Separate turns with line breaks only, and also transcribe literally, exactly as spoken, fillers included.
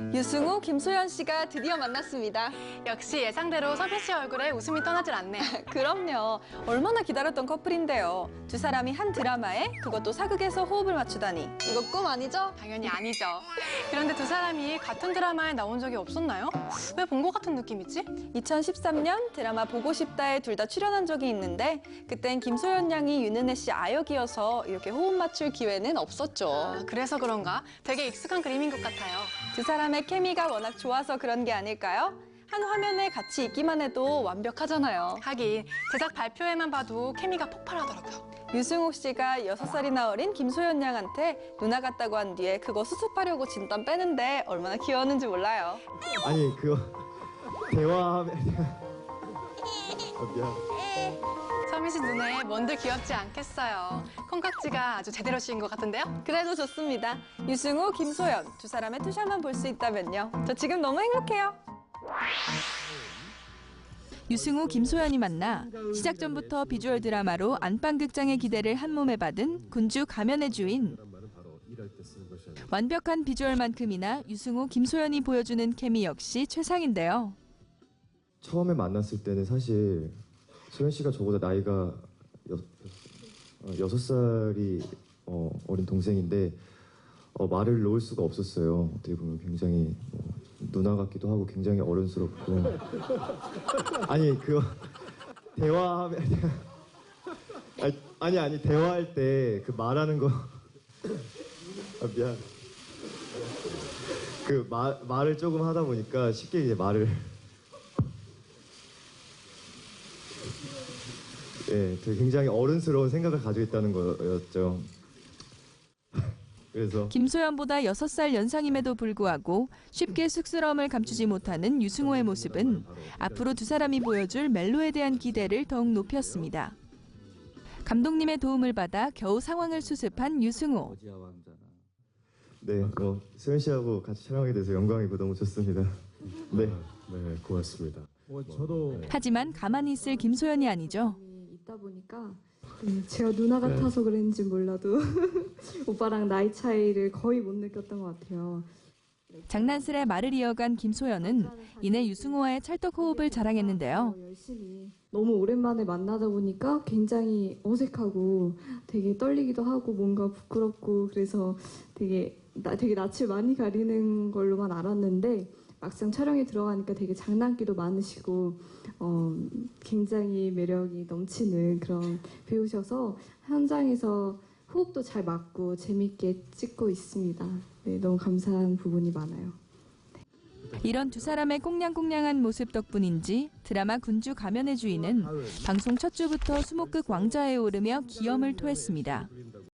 유승우, 김소연 씨가 드디어 만났습니다.
역시 예상대로 서빈 씨 얼굴에 웃음이 떠나질 않네요.
그럼요. 얼마나 기다렸던 커플인데요. 두 사람이 한 드라마에 그것도 사극에서 호흡을 맞추다니. 이거 꿈 아니죠?
당연히 아니죠. 그런데 두 사람이 같은 드라마에 나온 적이 없었나요? 왜 본 것 같은 느낌이지?
이천십삼 년 드라마 보고 싶다에 둘 다 출연한 적이 있는데 그땐 김소연 양이 윤은혜 씨 아역이어서 이렇게 호흡 맞출 기회는 없었죠.
아, 그래서 그런가? 되게 익숙한 그림인 것 같아요.
두 사람의 케미가 워낙 좋아서 그런 게 아닐까요? 한 화면에 같이 있기만 해도 완벽하잖아요.
하긴 제작 발표회만 봐도 케미가 폭발하더라고요.
유승우 씨가 여섯 살이나 어린 김소연 양한테 누나 같다고 한 뒤에 그거 수습하려고 진땀 빼는데 얼마나 귀여웠는지 몰라요.
아니 그거 대화하면 아, 미안.
서빈 씨 눈에 뭔들 귀엽지 않겠어요. 콩깍지가 아주 제대로 씌인 것 같은데요?
그래도 좋습니다. 유승우, 김소연 두 사람의 투샷만 볼 수 있다면요. 저 지금 너무 행복해요. 유승우, 김소연이 만나 시작 전부터 비주얼 드라마로 안방극장의 기대를 한몸에 받은 군주 가면의 주인. 완벽한 비주얼만큼이나 유승우, 김소연이 보여주는 케미 역시 최상인데요.
처음에 만났을 때는 사실 소연 씨가 저보다 나이가 여, 어, 여섯 살이 어, 어린 동생인데 어, 말을 놓을 수가 없었어요. 어떻게 보면 굉장히 뭐, 누나 같기도 하고 굉장히 어른스럽고 아니 그거 대화하면 아니 아니, 아니 대화할 때 그 말하는 거 아, 미안 그 마, 말을 조금 하다 보니까 쉽게 이제 말을 예, 되게 굉장히 어른스러운 생각을 가지고 있다는 거였죠. 그래서
김소연보다 여섯 살 연상임에도 불구하고 쉽게 쑥스러움을 감추지 못하는 유승우의 모습은 앞으로 두 사람이 보여줄 멜로에 대한 기대를 더욱 높였습니다. 감독님의 도움을 받아 겨우 상황을 수습한 유승우.
네, 뭐 소연 씨하고 같이 촬영하게 돼서 영광이고 너무 좋습니다. 네,
네, 고맙습니다. 뭐 저도
하지만 가만히 있을 김소연이 아니죠.
있다 보니까 네, 제가 누나 같아서 그랬는지 몰라도 오빠랑 나이 차이를 거의 못 느꼈던 것 같아요.
장난스레 말을 이어간 김소연은 이내 유승우와의 찰떡 호흡을 자랑했는데요.
열심히 너무 오랜만에 만나다 보니까 굉장히 어색하고 되게 떨리기도 하고 뭔가 부끄럽고 그래서 되게 나, 되게 낯을 많이 가리는 걸로만 알았는데 막상 촬영에 들어가니까 되게 장난기도 많으시고 어, 굉장히 매력이 넘치는 그런 배우셔서 현장에서 호흡도 잘 맞고 재밌게 찍고 있습니다. 네, 너무 감사한 부분이 많아요.
이런 두 사람의 꽁냥꽁냥한 모습 덕분인지 드라마 군주 가면의 주인은 방송 첫 주부터 수목극 왕좌에 오르며 기염을 토했습니다.